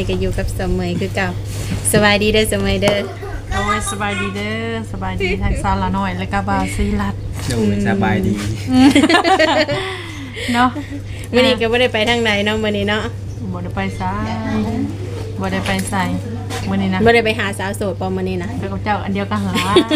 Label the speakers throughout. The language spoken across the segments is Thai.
Speaker 1: นี้ก็อยู่กับเสมอคือเก่าสบายดีเด้อเสมอเด้อ
Speaker 2: โอ้ยสบายดีเด้อสบายดีทางซาลาหน่อยแล้วก็บาซีรัด
Speaker 3: โดยสบายดี
Speaker 2: เนาะ
Speaker 1: มื้อนี้ก็บ่ได้ไปทางใดเนาะมื้อนี้เนาะ
Speaker 2: บ่ได้ไปไสบ่ได้ไปไสมื้อนี้นะ
Speaker 1: บ่ได้ไปหาสาวโสดปอมื้อนี้นะ
Speaker 2: ไปกับเจ้าอันเดียวกันหรอ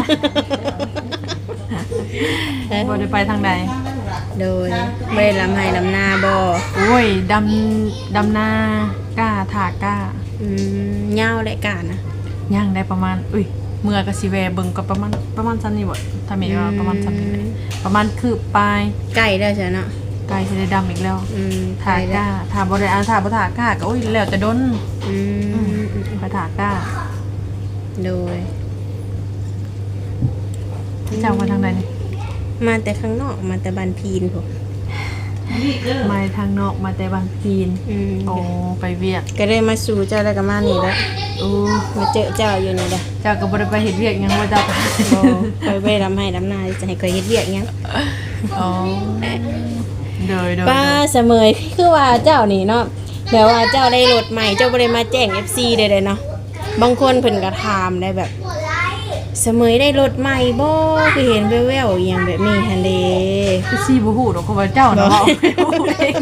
Speaker 2: บ่ได้ไปทางใด
Speaker 1: โดยบ่ได้ลำไห้ลำนาบ่
Speaker 2: โอ้ยดำนากล้าถากล้า
Speaker 1: ยาวและกานะ
Speaker 2: ย่างได้ประมาณเมื่อก็สิแวเบิ่งก็ประมาณซั้นนี่บ่ถ้ามีว่าประมาณซั้นนี่ประมาณคืบปลาย
Speaker 1: ใกล้แล้วใช่เนาะ
Speaker 2: ไกลสิได้ดำอีกแล้ว
Speaker 1: ใก
Speaker 2: ถา
Speaker 1: ล้
Speaker 2: ก
Speaker 1: แล้
Speaker 2: ล้าว ถาบ่ได้ถาบ่ถากล้าก็โอ้ยแล้วแต่ดน ไปถากล้า
Speaker 1: โดย
Speaker 2: เจ้ามาทางใดนี่
Speaker 1: มาแต่ข้างนอกมาแต่บ้านพีนพุ่น
Speaker 2: มาทางนอกมาแต่บางจีนโอ้ไปเวียด
Speaker 1: ก็เลยมาสู่เจ้าแล้วก็มานี่แล้ว
Speaker 2: โอ้
Speaker 1: มาเจอเจ้าอยู่นี่แหละ
Speaker 2: เจ้าก็บ่ได้ไปเฮ็ดเวียกหยังว่าเจ้าไป
Speaker 1: บ่คอยไปลำไห้ลำนาจะให้คอยเฮ็ดเวียกหยัง
Speaker 2: อ๋อโดย
Speaker 1: ป้าเสมอคือว่าเจ้านี่เนาะแบบว่าเจ้าได้รถใหม่เจ้าบ่ได้มาแจ้ง FC ได้เลยเนาะบางคนเพิ่นก็ถามได้แบบเสมอได้รถใหม่บ่คือเห็นแว่วๆอหยังแบบนี้หั่นเด้
Speaker 2: คือสิบ่ฮู้ดอกเพราะว่าเจ้าเนาะฮู้เอง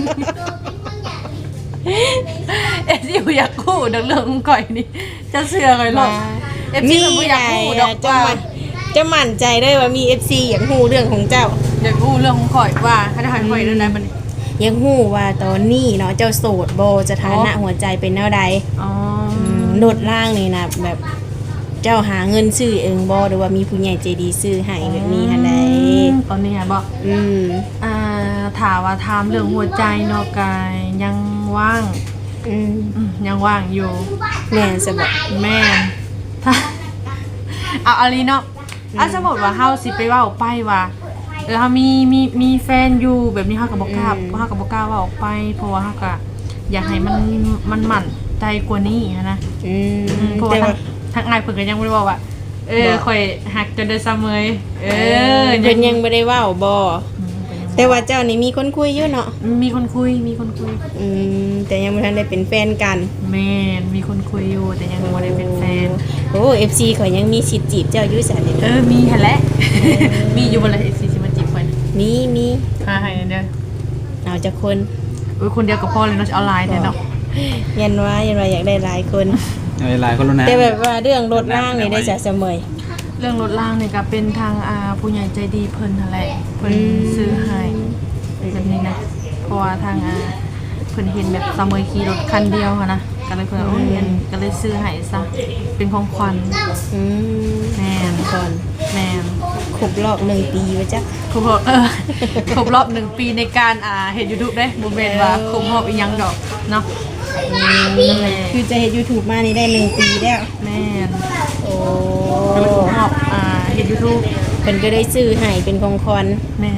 Speaker 2: สิบ่อยากฮู้ดังเรื่องของข่อยนี่จะเชื่อข่อยหรอกสิบ่อยากฮู้ดอก
Speaker 1: จะมั่นใจได้ว่ามี FC อยากฮู้เรื่องของเจ้า
Speaker 2: อยากฮู้เรื่องของข่อยว่าถ้าข่อยเรื่องใดมัน
Speaker 1: อยากฮู้ว่าตอนนี้เนาะเจ้าโสดบ่สถานะหัวใจเป็นแนวใด
Speaker 2: อ๋อ
Speaker 1: รถล่างนี่นะแบบเจ้าหาเงินซื้อเองบ่หรือว่ามีผู้ใหญ่ใจดีซื้อให้แบบนี้หั่นใด
Speaker 2: ตอนนี้ไงบ่ถามว่าถามเรื่องหัวใจเนาะกายยังว่างยังว่างอยู่
Speaker 1: แม่นซะบ่
Speaker 2: แม่นถ้าเอาอะไรเนาะสมมติว่าเฮาสิไปเว้าไปว่าเฮามีแฟนอยู่แบบนี้เฮาก็บ่กล้าเว้าออกไปเพราะว่าเฮาก็อยากให้มันมั่นใจกว่านี้นะเพราะว่าทางอ้ายเพิ่นก็ยังบ่ได้บอกว่าข่อยฮักจนได้เสมอ
Speaker 1: เพิ่นยังบ่ได้เว้าบ่แต่ว่าเจ้านี่มีคนคุยอยู่เนาะ
Speaker 2: มีคนคุย
Speaker 1: แต่ยังบ่ทันได้เป็นแฟนกัน
Speaker 2: แม่นมีคนคุยอยู่แต่ยังบ่ได้เป็นแฟน
Speaker 1: โอ้ FC ข่อยยังมีสิทธิ์จีบเจ้าอยู่ซั่นนี่
Speaker 2: มีหั่นแหละมีอยู่บ่ล่ะ FC สิมาจีบข่อย
Speaker 1: มี
Speaker 2: หาให้เด้อ
Speaker 1: เอาจักคน
Speaker 2: คนเดียวก็พอเลยเนาะออนไลน์แท้เนาะ
Speaker 1: ยันว่าอยากได้หลายคน
Speaker 3: หลายคนแล้วนะ
Speaker 1: แต่แบบว่าเรื่องรถล่างนี่ได้จะเสมอ
Speaker 2: เรื่องรถล่างนี่ก็เป็นทางผู้ใหญ่ใจดีเพิ่นนั่นแหละเพิ่นซื้อให้แบบนี้นะเพราะว่าทางเพิ่นเห็นแบบเสมอขี่รถคันเดียวค่ะนะก็เลยเพิ่นก็เลยซื้อให้ซะเป็นของขวัญแม่น
Speaker 1: ก่อน
Speaker 2: แม่น
Speaker 1: ครบรอบ1 ปีว่าจ๊ะ
Speaker 2: ครบรอบ1 ปีในการเฮ็ด YouTube เด้บ่แม่นว่าครบรอบอีหยังดอกเนาะ
Speaker 1: คือจะเฮ็ด YouTube มานี่ได้1 ปีแล้ว
Speaker 2: แม่น
Speaker 1: โอ้
Speaker 2: ก็เลยชอบเฮ็ด YouTube
Speaker 1: เพิ่นก็ได้ซื้อให้เป็นของขวัญ
Speaker 2: แม่น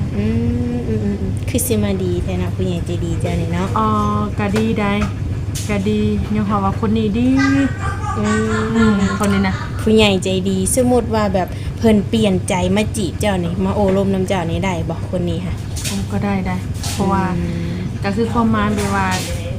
Speaker 1: คือสิมาดีแท้นะผู้ใหญ่ใจดีเจ้านี่เนาะ
Speaker 2: ก็ดีได้ก็ดียังว่าว่าคนนี้ดีคนนี้นะ
Speaker 1: ผู้ใหญ่ใจดีสมมุติว่าแบบเพิ่นเปลี่ยนใจมาจีบเจ้านี่มาโอ้ลมน้ำเจ้านี่ได้บ่คนนี้ค่ะ
Speaker 2: ก็ได้เพราะว่าก็คือความหมายแบบว่า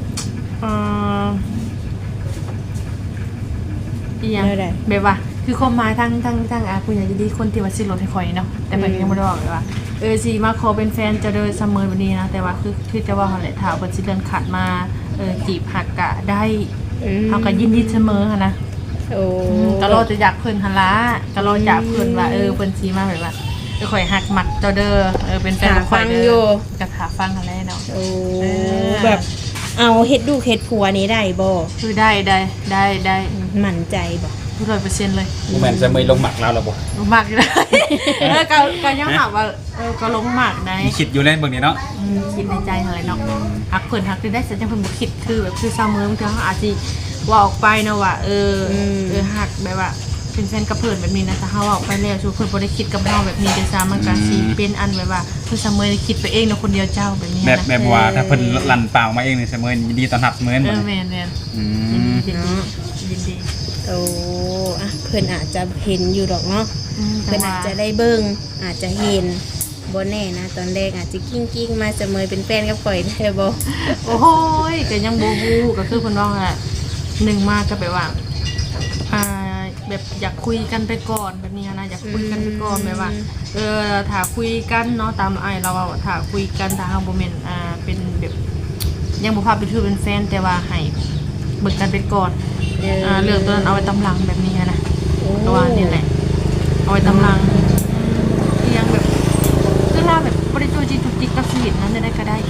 Speaker 2: อีหยังแบบว่าคือความหมายทั้งผู้ใหญ่ใจดีคนที่ว่าซื้อรถให้ข่อยเนาะแต่เพิ่นยังบ่ได้บอกเลยว่าสิมาขอเป็นแฟนจะเดินเสมอแบบนี้นะแต่ว่าคือจะว่าหั่นแหละถ้าเพิ่นสิเดินขาดมาจีบหักกะได้เฮาก็ยินดีเสมอหั่นนะก็รอจะอยากเพิ่นหั่นล่ะก็รออยากเพิ่นว่าเพิ่นสิมาแบบว่าข่อยหักมักเจ้าเด้อเป็นแฟนข่อยเด้อก็หาฟังหั่นแหละเนาะ
Speaker 1: แบบเอาเฮ็ดลูกเฮ็ดผัวนี้ได้บ่
Speaker 2: คือได้
Speaker 1: มั่นใจบ่
Speaker 2: 100% เลย
Speaker 3: บ่แม่นจะไม่ลงหมักแล้วล่ะบ่
Speaker 2: ลงหมักอยู่เลยก็ยังถามว่าก็ลงหมักได้
Speaker 3: คิดอยู่เล่นเบิ่งนี่เนาะ
Speaker 2: คิดในใจอะไรเนาะฮักเพิ่นฮักได้แต่จังเพิ่นบ่คิดคือแบบคือเสมอบางทีเฮาอาจสิว่าออกไปเนาะว่าฮักแบบว่าเป็นแฟนกับเพิ่นแบบนี้นะแต่เฮาออกไปแล้วสู่เพิ่นบ่ได้คิดกับเฮาแบบนี้ด้วยซ้ำมันก็สิเป็นอันแบบว่าคือเสมอคิดไปเองเนาะคนเดียวเจ้าแบบนี้นะ
Speaker 3: แบบว่าถ้าเพิ่นลั่นเปล่ามาเองนี่เสมอยินดีต้อนรับเสมอ
Speaker 2: แม่นยินดี
Speaker 1: โอ้เพิ่นอาจจะเห็นอยู่ดอกเนาะเพิ่นอาจจะได้เบิ่งอาจจะเห็นบ่แน่นะตอนแรกอาจจะกิ้งมาเสมอเป็นแฟนกับข่อยได้บ่
Speaker 2: โอ้ยก็ยังบ่ฮู้ก็คือเพิ่นว่าแหละหนึ่งมากก็แบบว่าแบบอยากคุยกันไปก่อนแบบนี้นะอยากคุยกันไปก่อนแบบว่าถ้าคุยกันเนาะตามเราถ้าคุยกันทางโมเมนต์เป็นแบบยังบ่พาไปถือเป็นแฟนแต่ว่าให้เบิกกันไปก่อนเรื่องตัวนั้นเอาไว้ตำหลังแบบนี้นะตัวนี่แหละเอาไว้ตำหลังยังแบบคือเราแบบบริจูจีจุกจิกกับชีวิตนั้นได้ก็ได้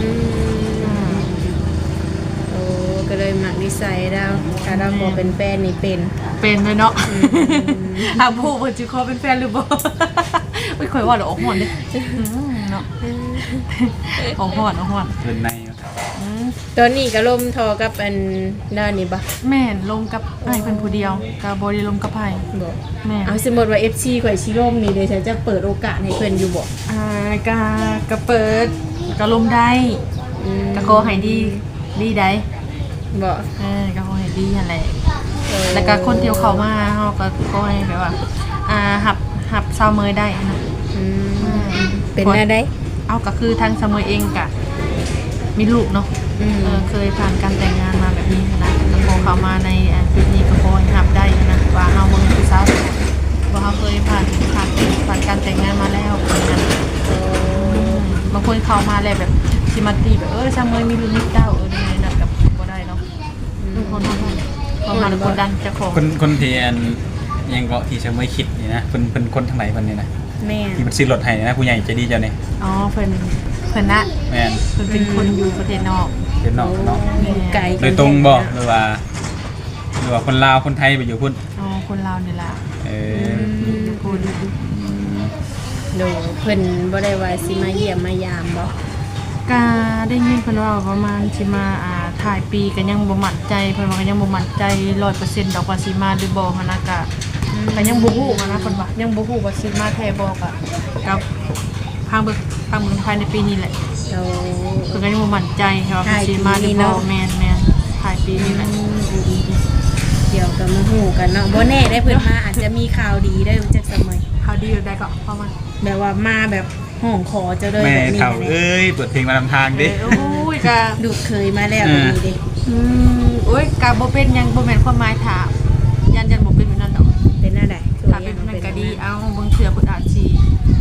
Speaker 1: ก็เลยหมักนิสัยเราถ้าเราขอเป็นแฟนนี่เป็น
Speaker 2: เลยเนาะผู้เปิดจีคอเป็นแฟนหรือบ่ไม่ค่อยว่าหรอกออกหอนเลยเนาะออกหอน
Speaker 3: เดินใน
Speaker 1: ตอนนี้ก็ลมทอกับอันด้านนี้บ่
Speaker 2: แม่นลมกับไอ้เพิ่นผู้เดียวกับ่ได้ลมกับไผ
Speaker 1: บ่แม่เอาสมมุติว่า FC ข่อยสิลมนี่เดี๋ยวฉันจะเปิดโอกาสให้เพิ่นอยู่บ่
Speaker 2: ก็เปิดก็ลมได้ก็ขอให้ดีได้
Speaker 1: บ่
Speaker 2: ก็ขอให้ดีนั่นแหละแล้วก็คนที่เข้ามาเฮาก็ขอให้แบบว่าหับซาวเมยได้นะ
Speaker 1: เป็นได้
Speaker 2: เอาก็คือทางซาวเมยเองก็มีลูกเนาะเคยผ่านการแต่งงานมาแบบนี้นะแล้วพอเข้ามาในจุดนี้ก็ขอให้หับได้นะว่าเฮาบ่เป็นผู้สาวว่าเฮาเคยผ่านการแต่งงานมาแล้วนะบางคนเข้ามาแล้วแบบสิมาตีแบบซาวเมยมีลูกมีเต้านี่นั่นกับบ่ได้เนาะคนดันจะของ
Speaker 3: คนที่ยังเกาะที่จะไม่คิดนี่นะเป็นคนทางไหนคนนี้นะ
Speaker 1: แม่
Speaker 3: ที่มันซื้อรถให้นะผู้ใหญ่ใจดีเจ้านี่
Speaker 2: เพิ่นนะ
Speaker 3: แม่น
Speaker 2: เพิ่นเป็นคนอยู่ประเทศนอก
Speaker 3: เนาะ
Speaker 1: ไกล
Speaker 3: โดยตรงบ่หรือว่าคนลาวคนไทยไปอยู่พุ่น
Speaker 2: คนลาวนี่ล่ะ
Speaker 3: คุณ
Speaker 1: โดเพิ่นบ่ได้ว่าสิมาเยี่ยมมายามบ่
Speaker 2: ก็ได้ยินเพิ่นว่าประมาณสิมาถ่ายปีก็ยังบ่มั่นใจเพิ่นว่าก็ยังบ่มั่นใจ 100% ดอกว่าสิมาหรือบ่หั่นน่ะก็ยังบ่ฮู้นะเพิ่นว่ายังบ่ฮู้ว่าสิมาแท้บ่ก็กับทางเบิ่งภายในปีนี้แหละเพิ่นก็ยังบ่มั่นใจว่าสิมาหรือบ่แม่นถ่ายปีนี้แหละ
Speaker 1: เดี๋ยวก็มาฮู้กันเนาะบ่แน่ได้เพิ่นมาอาจจะมีข่าวดีได้จักสมัย
Speaker 2: ข่าวดีได้ก็ประมาณ
Speaker 1: แบบว่ามาแบบห้องขอเจ้าเลย
Speaker 3: แบบนี้เอ้ยเปิดเพลงมานำทางดิ
Speaker 2: โอ้ยกะ
Speaker 1: ดูเคยมาแล้วแบบนี้ดิ
Speaker 2: โอ้ยกะบ่เป็นยังบ่แม่นความหมายถามยันบ่เป็นแบบนั้นดอก
Speaker 1: เป็นอะไร
Speaker 2: ถ้าเป็นมันก็ดีเอาเบิ่งเทื่อเพิ่นอาจสิ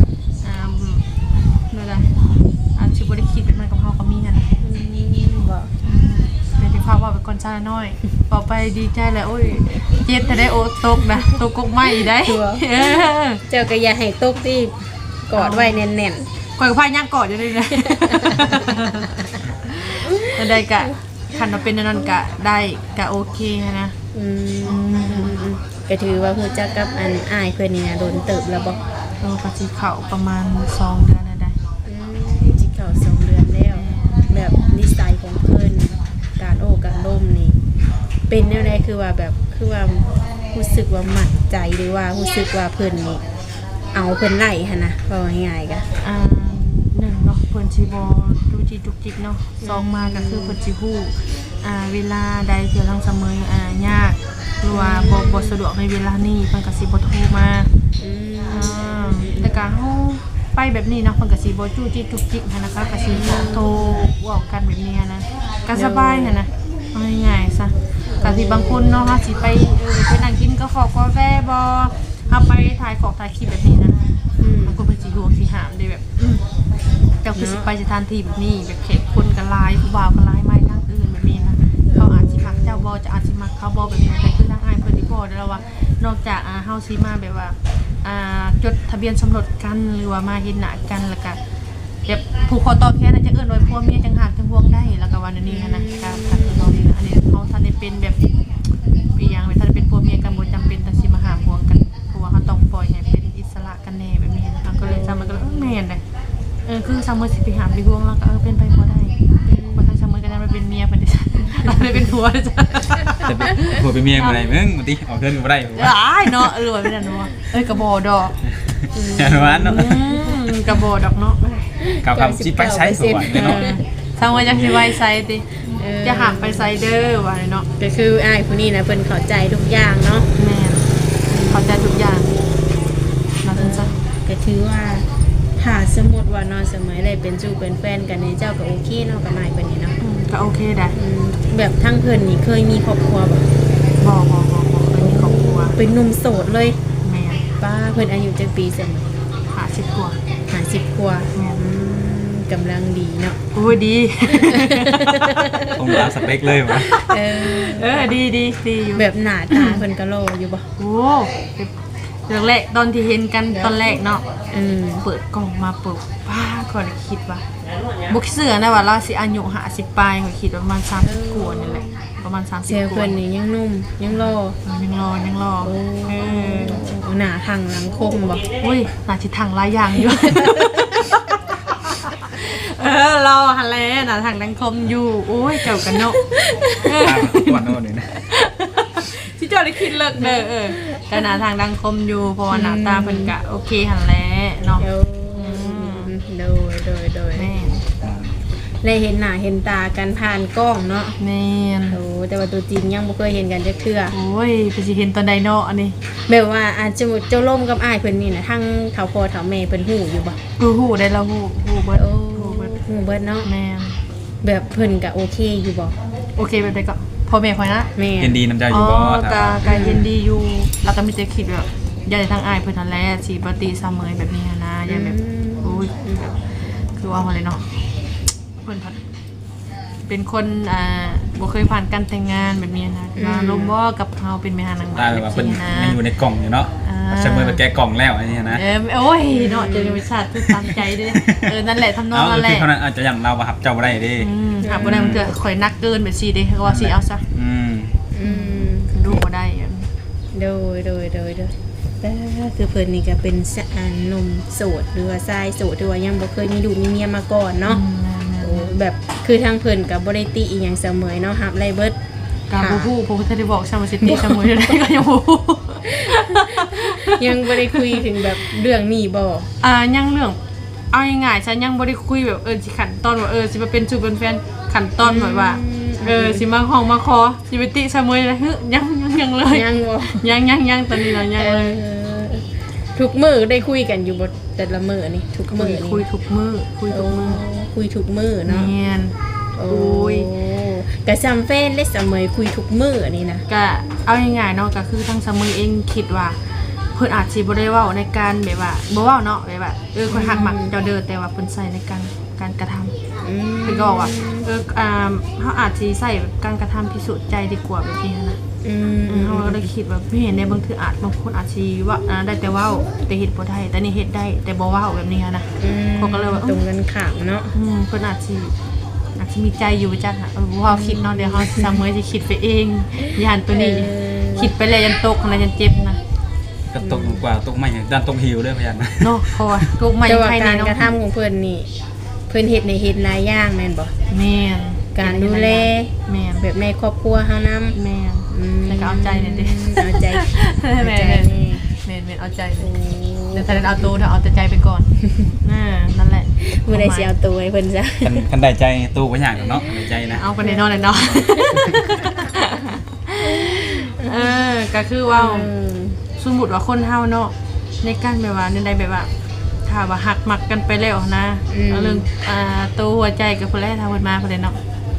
Speaker 2: นั่นแหละอาจสิบ่ได้คิดเป็นมันกับเฮาก็มีนั่นแหละ
Speaker 1: บ่
Speaker 2: เป็นที่ภาพว่าเป็นคนชาน้อยต่อไปดีใจแหละโอ้ยเจ็ดแต่ได้โอตกนะตกกกไม้ได้
Speaker 1: เจ้าก็อย่าให้ตกที่กอดไว้แน่น
Speaker 2: ๆข่อยก็พาย่างกอดอยู่เลยนะได้กะคันว่าเป็นนั่นกะได้กะโอเคนะ
Speaker 1: ก็ถือว่าฮู้จักกับอันอ้ายเพิ่นนี่นะโดนเติบแล้วบ่
Speaker 2: ก็สิเข้าประมาณ2เดือนแล้วได้
Speaker 1: สิเข้า2เดือนแล้วแบบนิสัยของเพิ่นการการล่มนี่เป็นแนวใดคือว่ารู้สึกว่ามั่นใจหรือว่ารู้สึกว่าเพิ่นนี่เอาเพิ่นไล่หั่นนะว่าง่ายๆก็
Speaker 2: 1เนาะเพิ่นสิบ่ดูจิจุกจิกเนาะ2มาก็คือเพิ่นสิฮู้เวลาใดเที่ยวทางเสมอยากหรือว่าบ่สะดวกในเวลานี้เพิ่นก็สิบ่โทรมาแต่การเฮาไปแบบนี้เนาะเพิ่นก็สิบ่จู้จี้จุกจิกหั่นนะคะก็สิโทรเว้ากันแบบนี้นะก็สบายหั่นนะง่ายๆซะก็สิบางคนเนาะเฮาสิไปนั่งกินกาแฟบ่เฮาไปถ่ายของถ่ายคลิปแบบนี้นะบางคนเพิ่นสิห่วงสิหามได้แบบเจ้าคือสิไปสถานที่แบบนี้แบบเขตคนก็หลายผู้บ่าวก็หลายไม้ทางอื่นแบบนี้นะเขาอาจสิมักเจ้าบ่จะอาจสิมักเขาบ่แบบนี้แต่คือทางอ้ายเพิ่นสิบอกได้แล้วว่านอกจากเฮาสิมาแบบว่าจดทะเบียนสมรสกันหรือว่ามาเห็นหน้ากันแล้วก็แบบผูกคอต่อแขนจะเอิ้นว่าผัวเมียจังหักจังห่วงได้แล้วก็ว่านี้นะก็คือน้องนี่อันนี้เขาท่านได้เป็นแบบอีหยังแบบท่านเป็นผัวเมียกันบ่จำเป็นต้องสิมาหาห่วงกันเพราะว่าเขาต้องปล่อยให้เป็นอิสระกันแน่แบบนี้นะคะก็เลยมันก็แม่นเลยคือซัมเมอร์สิไปหาไปห่วงแล้วก็เป็นไปบ่ได้บ่ทางซัมเมอร์ก็ได้มาเป็นเมียเพิ่นจ้ะเราได้เป็นผัวจ้ะ
Speaker 3: จะเป็นผัวเป็นเมียบ่ได้มึงบ่ติเอาเพิ่นก็บ่ได้
Speaker 2: เนาะรวยเป็นอันเนาะกระบ่ดอก
Speaker 3: อันว่าเนาะ
Speaker 2: กระบ่ดอกเนาะ
Speaker 3: กับสิไปไสสวยเนาะ
Speaker 2: ซัมเมอร์จักสิไว้ไสติจะหามไปไซเดอร์ว่าเนาะ
Speaker 1: ก็คืออ้ายผู้นี้นะเพิ่นเข้าใจทุกอย่างเนาะ
Speaker 2: แม่เข้าใจทุกอย่างมาซั่นซะ
Speaker 1: ก็ถือว่าถ้าสมมุติว่านอนเสมอได้เป็นจูเป็นแฟนกันนี่เจ้าก็โอเคเนาะกับนายเพิ่นนี่เนาะ
Speaker 2: ก็โอเคได้
Speaker 1: แบบทั้งเพิ่นนี่เคยมีครอบครัวบ่
Speaker 2: บ่เคยมีครอบครัว
Speaker 1: เป็นหนุ่มโสดเลย
Speaker 2: แม่น
Speaker 1: ป้าเพิ่นอายุจักปีซั่น
Speaker 2: 50กว่า
Speaker 1: 50กว่า
Speaker 2: แม่น
Speaker 1: กำลังดีเนาะ
Speaker 2: โอ้ยดี
Speaker 3: ตรงตามสเปคเลยวะ
Speaker 2: ดีอยู่
Speaker 1: แบบหน้าตาเพิ่นก็โลอยู่บ่
Speaker 2: โอ้เรื่องแรกตอนที่เห็นกันตอนแรกเนาะ เปิดกล่องมาปุ๊บป้าก็เลยคิดว่าบุกเสือนะว่าเราสิอายุ50ปลายก็คิดว่าประมาณ30กว่านี่แหละประมาณ30
Speaker 1: เซล
Speaker 2: ก
Speaker 1: เพิ่
Speaker 2: ว่าน
Speaker 1: นี่ยังหนุ่มยังโล
Speaker 2: ยังรอ
Speaker 1: หน้าทางหลังคมบ่
Speaker 2: อุ้ยน่าสิทางหลายอย่างอยู่ รอหันแล้วน่ะทางดังคมอยู่โอ้ยเจ้ากันเนาะ
Speaker 3: ตามก่อนโน่นนี่นะ
Speaker 2: ที่เจ้าได้คิดเลิกเด้อแต่หน้าทางดังคมอยู่เพราะว่าหน้าตาเพิ่นก็โอเคหันแล้วเนาะ
Speaker 1: โดย
Speaker 2: แม่น
Speaker 1: ได้เห็นหน้าเห็นตากันผ่านกล้องเนาะ
Speaker 2: แม่น
Speaker 1: โอ้แต่ว่าตัวจริงยังบ่เคยเห็นกันจักเทื่อ
Speaker 2: โอ้ยไปสิเห็นตอนใดเนาะอันนี้
Speaker 1: แบบว่าอาจจะเจ้าล่มกับอ้ายเพิ่นนี่นะทั้งเฒ่าพ่อเฒ่าแม่เพิ่นฮู้อยู่บ่
Speaker 2: ฮู้ได้แล้วฮู้เบิด
Speaker 1: โอ้
Speaker 2: ฮู้เบิด
Speaker 1: ฮู้เบิดเนาะ
Speaker 2: แม่น
Speaker 1: แบบเพิ่นก็โอเคอยู่บ่
Speaker 2: โอเคแบบใดก็พ่อแม่คอยนะ
Speaker 1: แม่
Speaker 3: เย็นดีน้ำใจอ
Speaker 2: อ๋
Speaker 3: ยู่
Speaker 2: อ
Speaker 3: บ่
Speaker 2: กาเย็นดีอยู่แล้วก็มีแต่คิดแบบอย่าได้ทางอายเพิ่นนั่นแหละสิปฏิเสมอแบบนี้นะอย่าแบบโอ้ยคือว่าอะไรเนาะเพิ่นพัดเป็นคนบ่เคยผ่านการแต่งงานแบบนี้นะมาลมบ่กับเฮาเป็นแม่หานาง
Speaker 3: ได้แบบว่าเป็น
Speaker 2: นะ
Speaker 3: ยังอยู่ในกล่องอยู่เนาะเสมอไปแกะกล่องแล้วอันนี้นะ
Speaker 2: โอ้ยเนาะเจอวิชาทุกตามใจเด้นั่นแหละทำนอง
Speaker 3: เอา
Speaker 2: นั่นแห
Speaker 3: คือ
Speaker 2: ละ
Speaker 3: เท่านั้นอาจจะอย่างเราประหับเจ้าบ่ได้เดิ
Speaker 2: หาบ่ได้มันจะข่อยนักเกินแบบซี่เด้ก็ว่าสิเอาซะ
Speaker 1: อืม
Speaker 2: ดูบ่ได้
Speaker 1: โดยแต่คือเพิ่นนี่ก็เป็นหนุ่มโสดหรือว่าชายโสดหรือว่ายังบ่เคยมีลูกมีเมียมาก่อนเนาะโอ้แบบคือทางเพิ่นก็บ่ได้ติอีหยังเสมอเนาะรับไล่เบิด
Speaker 2: กาบูฮูผมจะได้บอกชาวซิตี้ชาวมือได้ก็ยังบูฮู
Speaker 1: ยังบ่ได้คุยถึงแบบเรื่องนี้บ่
Speaker 2: ยังเรื่องเอาง่ายๆฉันยังบ่ได้คุยแบบสิขั้นตอนว่าสิมาเป็นจูเป็นแฟนขั้นตอนแบบว่าสิมาห้องมาคอสิไปติชาวมือเลยยังเลย
Speaker 1: ยังบ่
Speaker 2: ยังตอนนี้เรายังเลย
Speaker 1: ทุกมื้อได้คุยกันอยู่บ่แต่ละมื้อนี่ทุกมื้อนี่
Speaker 2: คุยทุกมื้อ
Speaker 1: คุยทุกมื้อเนาะ
Speaker 2: เนียน
Speaker 1: โอ้ยกะซ้ำแฟนเล็กเสมอคุยทุกมื้ออันนี้นะ
Speaker 2: ก็เอาง่ายๆเนาะก็คือทางชาวมือเองคิดว่าเพิ่นอาจสิบ่ได้เว้าในการแบบว่าบ่เว้าเนาะแบบว่าค่อยหักมักเจ้าเด้อแต่ว่าเพิ่นใส่ในการกระทำ เพิ่นก็บอกว่าเขาอาจจะใส่การกระทำพิสูจน์ใจดีกว่าแบบนี้นะเขาก็เลยคิดว่าไม่เห็นในบางทีบางคนอาจจะว่าได้แต่ว่าแต่เฮ็ดบ่ได้แต่นี่เฮ็ดได้แต่บ่ว่าแบบนี้นะเขาก็เลยว่า
Speaker 1: ตรงกันข้ามเนาะ
Speaker 2: เพิ่นอาจจะมีใจอยู่จักอ่ะว่าคิดเนาะเดี๋ยวเขาสามมื้อสิคิดไปเองย่านตัวนี้คิดไปแล้วยันตกนะยันเจ็บนะ
Speaker 3: ก็ตกกว่าตกไม่ด้านตกหิวด้วยพยานนะ
Speaker 2: เนาะเพราะว่าตกใหม่
Speaker 1: แต่ว่า
Speaker 2: ภายใน
Speaker 1: การ
Speaker 2: เนาะ
Speaker 1: กระทำของเพิ่นนี่เพิ่นเฮ็ดในเฮ็ดหลายอย่างแม่นบ่
Speaker 2: แม่น
Speaker 1: การดูแล
Speaker 2: แม่น
Speaker 1: แบบในครอบครัวเฮานำ
Speaker 2: แม่นแล้วก็เอาใจเนี่ยดิ
Speaker 1: เอาใจ
Speaker 2: แม่
Speaker 1: นี่
Speaker 2: เมนเอาใจเลยเดี๋ยวแทนเอาตัวเดี๋ยวเอาแต่ใจไปก่อนนั่นแหละ
Speaker 1: มื้อใดสิเอาตัวให้เพิ่นซะ
Speaker 3: คันได้ใจตู้ไว้อย่างเนาะได้ใจนะ
Speaker 2: เอาไปในนอนเลยเนาะก็คือว่าสมมุติว่าคนเฮาเนาะในการแบบว่าในใดแบบว่าถ้าว่าหักมักกันไปแล้วนะเรื่องตัวหัวใจกับคนแรกถ้าเพิ่นมาเพิ่นเนาะ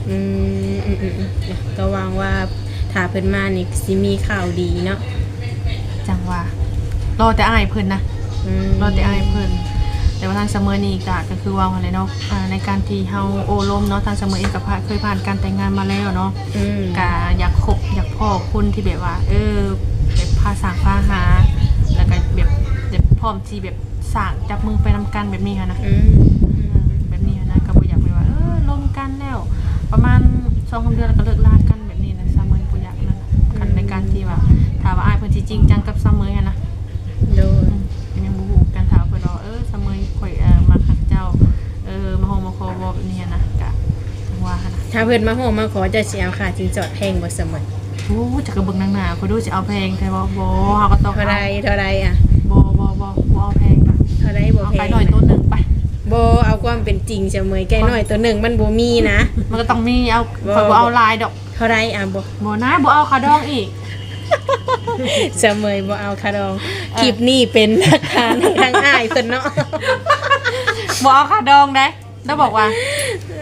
Speaker 1: ก็หวังว่าถ้าเพิ่นมานี่สิมีข่าวดีเนาะ
Speaker 2: จังว่ารอแต่อ้ายเพิ่นนะรอแต่อ้ายเพิ่นแต่ว่าทางเสมอนี่ก็คือว่าอะไรเนาะในการที่เฮาโอ้ล้มเนาะทางเสมอเองก็เคยผ่านการแต่งงานมาแล้วเนาะก็อยากคบอยากพ่อคนที่แบบว่าแบบพาสร้างพาหาแล้วก็แบบพร้อมที่แบบสร้างจับมือไปนำกันแบบนี้ค่ะนะแบบนี้นะก็บ่อยากไปว่าล้มกันแล้วประมาณ2-3 เดือนแล้วก็เลิกลากันแบบนี้นะเสมอบ่อยากนั่นกันในการที่ว่าถ้าว่าอ้ายเพิ่นสิจริงจังกับเสมอนะ
Speaker 1: โดย
Speaker 2: ยังบ่ฮู้กันถามเพิ่นว่าเสมอข่อยมาคักเจ้ามาโฮมาขอบ่แบบนี้นะก็จังว่าหั่นนะ
Speaker 1: ถ้าเพิ่นมาโฮมาขอจะสิเอาค่าสินสอดแพงบ่เสมอ
Speaker 2: โอ้จะกระเบิ่งนางหน้าข่อยดูสิเอาแพงแต่ว่าบ่เฮาก็ต้อง
Speaker 1: เท่าใดอ่ะ
Speaker 2: บ่เอาแพงค่ะ
Speaker 1: เท่าใดบ่
Speaker 2: เอา
Speaker 1: แพ
Speaker 2: ไป
Speaker 1: ง
Speaker 2: หน่อยตัวหนึงไป
Speaker 1: บ่เอาความเป็นจริงเสมอแก่น้อยตัวหนึ่งมันบ่มีนะ
Speaker 2: มันก็ต้องมีเอาข่อยบ่เอาลายดอก
Speaker 1: เท่าใดอ่ะบ่
Speaker 2: บ่นะบ่เอาขาดองอีก
Speaker 1: เสมอบ่เอาคาดองคลิปนี้เป็นหลักฐานให้ทางอ้ายเพิ่นเนาะ
Speaker 2: บ่เอาขาดองได้แล้วบอกว่า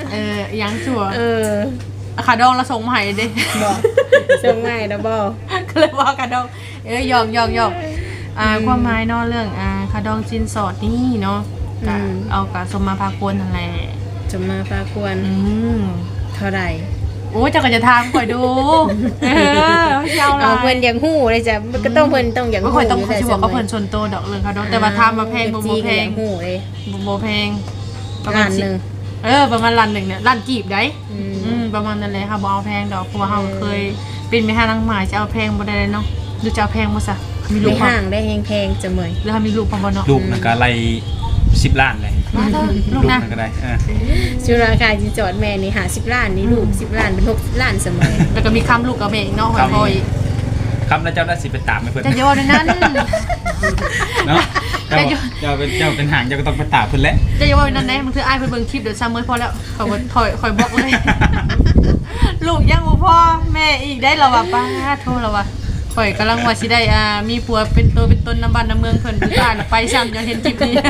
Speaker 2: ยังจั่ว
Speaker 1: อ
Speaker 2: ขาดองละส่งมาให้เด้
Speaker 1: บ่ส่งใหม่แล้วบ่
Speaker 2: ก็เลยว่าขาดองหยอกความหมายเนาะเรื่องขาดองจินสอดนี่เนาะก็เอากับสมมาพากวนนั่นแหละ
Speaker 1: จะมาพาควรเท่าไหร่
Speaker 2: โอ้เจ้าก็จะทางข่อยดูเจ้า
Speaker 1: เอาเพิ่นอยากฮู้เลยจ้ะมันก็ต้องเพิ่นต้องอยาก
Speaker 2: ก็
Speaker 1: ฮู้
Speaker 2: ข่อยต้องสิบอกว่าเพิ่นชนโตดอกเรื่องขาดองแต่ว่าทำมาแพงบ่แพง
Speaker 1: ฮู้เลย
Speaker 2: บ่แพง
Speaker 1: ล้านนึง
Speaker 2: ประมาณล้านหนึ่งเนี่ยล้านกีบได้ประมาณนั้นเลยค่ะบ่เอาแพงดอกเพราะว่าเราเคยเป็นแม่ห้างนางหมายจะเอาแพงบ่ได้เลยเนาะดูจะเอาแพงบ่ซะมีลู
Speaker 1: ใน
Speaker 2: ก
Speaker 1: ห้างได้แพงๆจะเมย
Speaker 2: แล้วมีลูกพอบ่เนาะ
Speaker 3: ลูกนั่นก็ไล่10 ล้านเลย
Speaker 2: ลูกนะ
Speaker 3: นั่นก็ได้
Speaker 1: ชื่อราคาที่จอดแม่นี่50 ล้านนี่ลูก10 ล้านเป็น60 ล้านเสมอ
Speaker 2: แล้วก็มีคำลูกกับแม่อีกเนาะคอย
Speaker 3: ครับแล้วเจ้าได้สิไปตามให้เพิ่น
Speaker 2: จะโยนในนั้น
Speaker 3: เนาะเจ้าเป็นหางเจ้าก็ต้องไปตามเพิ่นแหละ
Speaker 2: จะโยนในนั้นได้มันคืออ้ายเพิ่นเบิ่งคลิปเดี๋ยวซ้ำมื้อพอแล้วคอยบอกเลย ลูกยังบ่พอแม่อีกได้แล้วว่ะป้าโทษแล้วว่ะข่อยกำลังว่าสิได้มีผัวเป็นตัวเป็นตนน้ำบ้านน้ำเมืองเพิ่นผู้ตายไปซ้ำจนเห็นคลิปนี้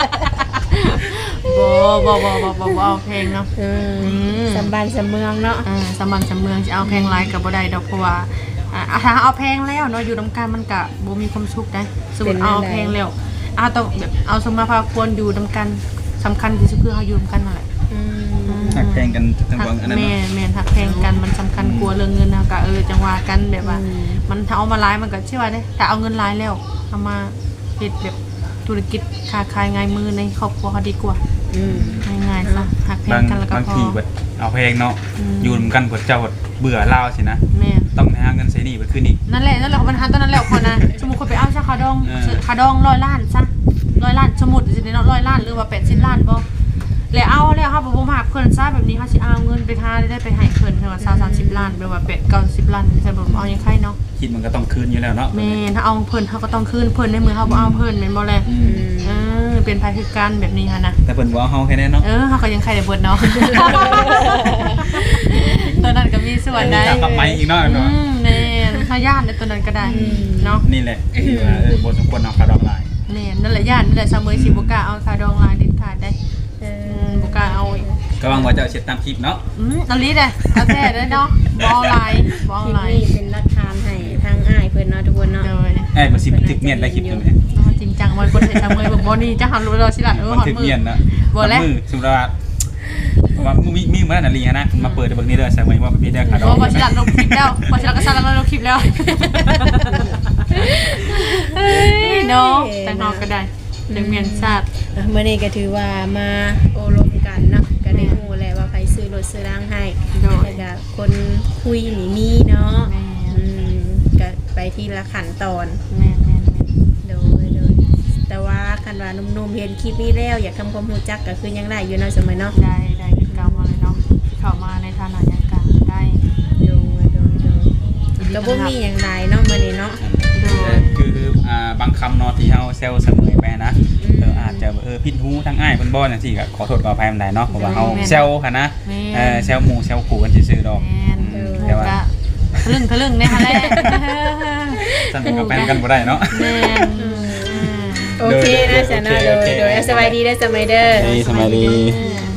Speaker 2: บ่เอาเพลงเนาะ
Speaker 1: สำบานสำเมืองเนาะ
Speaker 2: สำบันสำเมืองจะเอาเพลงไลฟ์กับบ่ได้ดอกเพราะว่าถ้าเอาเพลงแล้วเนาะอยู่นำกันมันก็บ่มีความสุขได้สมมุติเอาเพลงแล้วต้องแบบเอาสมมาพาควรอยู่นำกันสำคัญที่สุดคือเฮาอยู่นำกันนั่นแหละ
Speaker 3: หักแพงกันทั้งบางอันนั้น
Speaker 2: แม่นหักเพลงกันมันสำคัญกลัวเรื่องเงินนะก็จังว่ากันแบบว่ามันถ้าเอามาไลฟ์มันก็ใช่ว่าเด้แต่เอาเงินไลฟ์แล้วเอามาเฮ็ดแบบธุรกิจค้าขายง่ายมือในครอบครัวเขาดีกว่าง่ายๆซะหักเพลงกันแล้วก็
Speaker 3: บาง
Speaker 2: พอ
Speaker 3: ทีเบิดเอาเพลงเนาะอยู่นำกันเบิดเจ้าเบื่อลาวสินะ
Speaker 2: แม่น
Speaker 3: ต้องหาเงินใช้หนี้เบิดคืนอีก
Speaker 2: นั่นแหละปัญหาตอนนั้นแหละคนนะสมมุติคนไปเอาซะขาดอง100 ล้านซะ100 ล้านสมมุติสิเนาะ100 ล้านหรือว่า80 ล้านบ่แล้วเอาแล้วครับบ่มาเพิ่นซะแบบนี้เขาสิเอาเงินไปหาได้ไปให้เพิ่นคือว่า20-30 ล้านแบบว่า8-90 ล้านคือบ่เอายังไงเนาะ
Speaker 3: คิดมันก็ต้องคืนอยู่แล้วเนาะ
Speaker 2: แม่ถ้าเอาเพิ่นเขาก็ต้องคืนเพิ่นในมือเขาบ่เอาเพิ่นแม่นบ่แลเป็นภัยคือการแบบนี้ค่ะนะ
Speaker 3: แต่เพิ่นบ่เอาเฮาแค่นั้นเนาะ
Speaker 2: เขาก็ยังใครได้เบิดเนาะ ตอนนั้นก็มีส่วนได้
Speaker 3: กลับไปอีกเนาะ
Speaker 2: แม่ถ้าญาติในตอนนั้นก็ได้เนาะ
Speaker 3: นี่แหละคือว่าบ่สมควรเอาคาดอกลาย
Speaker 2: แม่นั่นแหละญาตินั่นแหละชาวเมืองสิบ่กล้าเอาคาดองลายเด็ดขาดได้บ่กล้าเอาอีก
Speaker 3: ก็หวังว่าเจ้าเช็ดตามคลิปเนาะ
Speaker 2: เอาลิได้เอาแท้ได้เนาะบ่เอาลายบ่เอา
Speaker 1: คลิป
Speaker 2: ลาย
Speaker 1: นี้เป็นหลักฐานให้ทางอ้ายเพิ่นเนาะทุกคนเนาะ
Speaker 2: โดย
Speaker 3: บ่สิถึกเมียนได้คลิปตัวนี้
Speaker 2: จริงจังมันคนไทยชาวเมืองบ่นี่จะหันรู้เราสิล่ะฮ
Speaker 3: มัน
Speaker 2: อด
Speaker 3: ถึก
Speaker 2: มือ
Speaker 3: เมียนนะ
Speaker 2: บ่แล้ว
Speaker 3: มือสมมุติว่ามีมานาลีนะมาเปิดเบิ่งนี่เด้อใส่ไว้ว่าพี่ได้คาดอก
Speaker 2: บ่สิล่ะลงคลิปแล้วบ่สิล่ะก็สั่นแล้วลงคลิปแล้วเนาะแต่เฮาก็ได้เรื่องเมียนชาติ
Speaker 1: เมื่อนี้ก็ถือว่ามาโอลมกันเนาะก็ได้ฮู้แล้วว่าใครซื้อรถซื้อร่างให้แล้วก็คนคุยนี่มีเนาะก็ไปที่ละขั้นตอน
Speaker 2: แม่ๆ
Speaker 1: โดยแต่ว่าคันว่าหนุ่มๆเห็นคลิปนี้แล้วอยากทำความรู้จักก็คือยังได้อยู่เนาะเสมอเนาะ
Speaker 2: ได้คือเก่ามาเลยเนาะเข้ามาในฐานะยังกลางได้
Speaker 1: โดยแล้วบ่มีหยังหลายเนาะมื้อนี้เนาะ
Speaker 3: คือบางคำเนาะที่เฮาเซลเสมอไปนะอาจจะผิดหูทางอ้ายเพิ่นบ่จังซี่ก็ขอโทษขออภัยมันได้เนาะเพราะว่าเฮาเซลค่ะนะเซลหมู่เซลขู่กันซื่อๆดอก
Speaker 2: แต่ว่าทะลึ่งในฮะแหละ
Speaker 3: ซั่นก็แปลกันบ่ได้เนาะ
Speaker 2: แม่น
Speaker 1: โอเคนะจ๊ะเนาะโดยสบายดีเด้อสมัยเด้อ
Speaker 3: สบายดี
Speaker 2: แม่น